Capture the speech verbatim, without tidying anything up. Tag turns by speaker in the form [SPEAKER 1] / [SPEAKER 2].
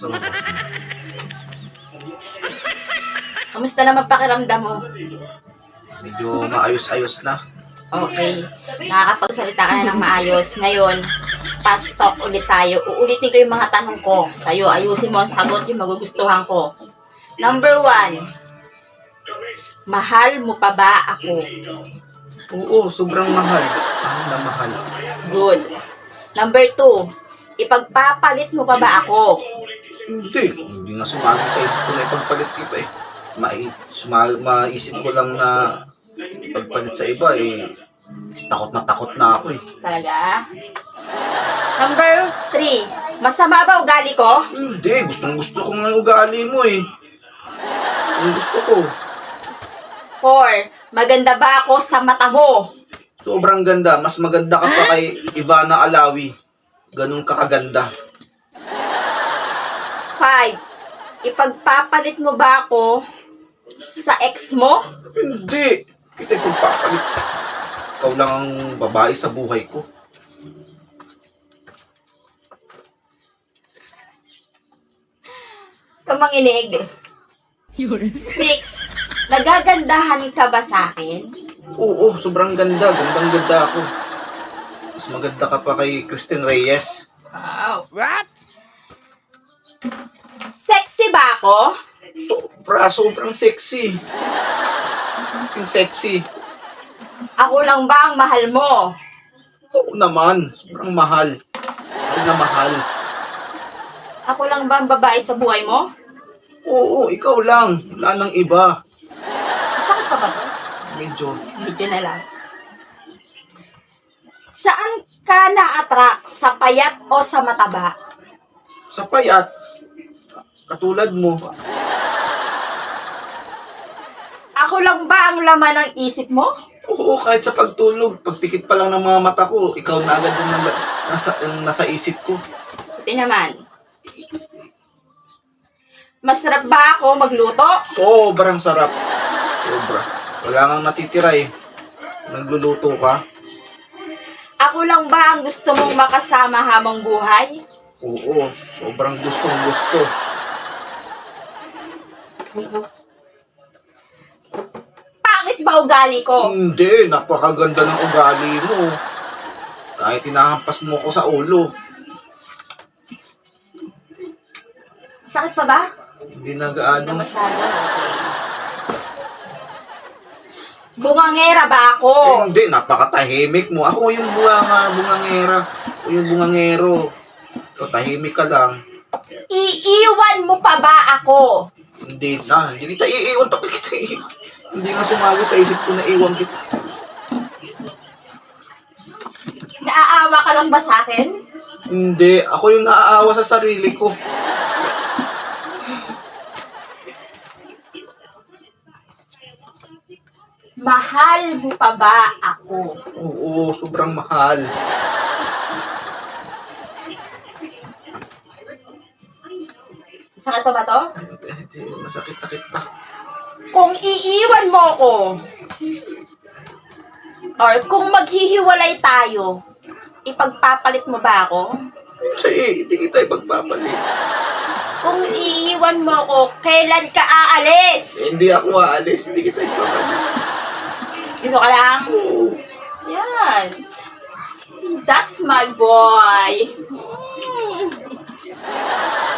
[SPEAKER 1] So,
[SPEAKER 2] Kamusta naman pakiramdam mo?
[SPEAKER 1] medyo maayos-ayos na.
[SPEAKER 2] Okay. Nakakapagsalita ka na ng maayos. Ngayon, fast talk ulit tayo. Uulitin ko yung mga tanong ko sa'yo. Ayusin mo ang sagot yung magugustuhan ko. Number one, mahal mo pa ba ako?
[SPEAKER 1] Oo, sobrang mahal. Ano na mahal?
[SPEAKER 2] Good. Number two, ipagpapalit mo pa ba ako?
[SPEAKER 1] Hindi. Hindi nga sumagi sa isip ko na ipagpalit kita eh. Mai suma maisip ko lang na ipagpalit sa iba eh. Takot na takot na ako eh.
[SPEAKER 2] Talaga? Number three, masama ba ugali ko?
[SPEAKER 1] Hindi. Gustong gusto ko ng ugali mo eh. Ang gusto ko.
[SPEAKER 2] Four, maganda ba ako sa mata mo?
[SPEAKER 1] Sobrang ganda. Mas maganda ka pa kay Ivana Alawi. Ganun ka kaganda.
[SPEAKER 2] Five, ipagpapalit mo ba ako sa ex mo?
[SPEAKER 1] Hindi. Kita ipagpapalit. Ikaw lang ang babae sa buhay ko.
[SPEAKER 2] Kamanginig. Six, nagagandahan ka ba sa akin?
[SPEAKER 1] Oo, sobrang ganda. Gandang ganda ako. Mas maganda ka pa kay Christine Reyes.
[SPEAKER 2] Wow. What? Sexy ba ako?
[SPEAKER 1] Sobra, sobrang sexy. Sexy, sexy.
[SPEAKER 2] Ako lang ba ang mahal mo?
[SPEAKER 1] Oo naman, sobrang mahal. Mahal na mahal.
[SPEAKER 2] Ako lang ba ang babae sa buhay mo?
[SPEAKER 1] Oo, ikaw lang. Wala nang iba.
[SPEAKER 2] Sakit pa ba to?
[SPEAKER 1] Medyo.
[SPEAKER 2] Medyo na lang. Saan ka na-attract? Sa payat o sa mataba?
[SPEAKER 1] Sa payat. Katulad mo.
[SPEAKER 2] Ako lang ba ang laman ng isip mo?
[SPEAKER 1] Oo, kahit sa pagtulog. Pagpikit pa lang ng mga mata ko, ikaw na agad yung nasa, nasa, yung nasa isip ko.
[SPEAKER 2] Ito naman. Masarap ba ako magluto?
[SPEAKER 1] Sobrang sarap. Sobra. Wala kang natitira eh. Nagluluto ka.
[SPEAKER 2] Ako lang ba ang gusto mong makasama habang buhay?
[SPEAKER 1] Oo, sobrang gustong gusto.
[SPEAKER 2] Pangit ba ugali ko?
[SPEAKER 1] Hindi, napakaganda ng ugali mo. Kahit hinahampas mo ko sa ulo.
[SPEAKER 2] Sakit pa ba?
[SPEAKER 1] Hindi na
[SPEAKER 2] Hindi
[SPEAKER 1] gaano.
[SPEAKER 2] masyado. Bungangera ba ako?
[SPEAKER 1] Eh, hindi, napakatahimik mo. Ako yung bunga, bungangera. Ako yung bungangero. Ikaw, tahimik ka lang.
[SPEAKER 2] Iiwan mo pa ba ako?
[SPEAKER 1] Hindi na. Hindi kita iiwan. Bakit kita iiwan? Hindi nga sumagi sa isip ko na iwan kita.
[SPEAKER 2] Naaawa ka lang ba sa akin?
[SPEAKER 1] Hindi. Ako yung naaawa sa sarili ko.
[SPEAKER 2] Mahal mo pa ba ako?
[SPEAKER 1] Oo, sobrang mahal.
[SPEAKER 2] Sakit pa ba to?
[SPEAKER 1] Hindi, masakit-sakit pa.
[SPEAKER 2] Kung iiwan mo ako, or kung maghihiwalay tayo, ipagpapalit mo ba ako?
[SPEAKER 1] Kasi hindi kita ipagpapalit.
[SPEAKER 2] Kung iiwan mo ako, kailan ka aalis?
[SPEAKER 1] Eh, hindi ako aalis. Hindi kita ipagpapalit.
[SPEAKER 2] Gusto ka lang?
[SPEAKER 1] Oo.
[SPEAKER 2] Yan. That's my boy. Hmm.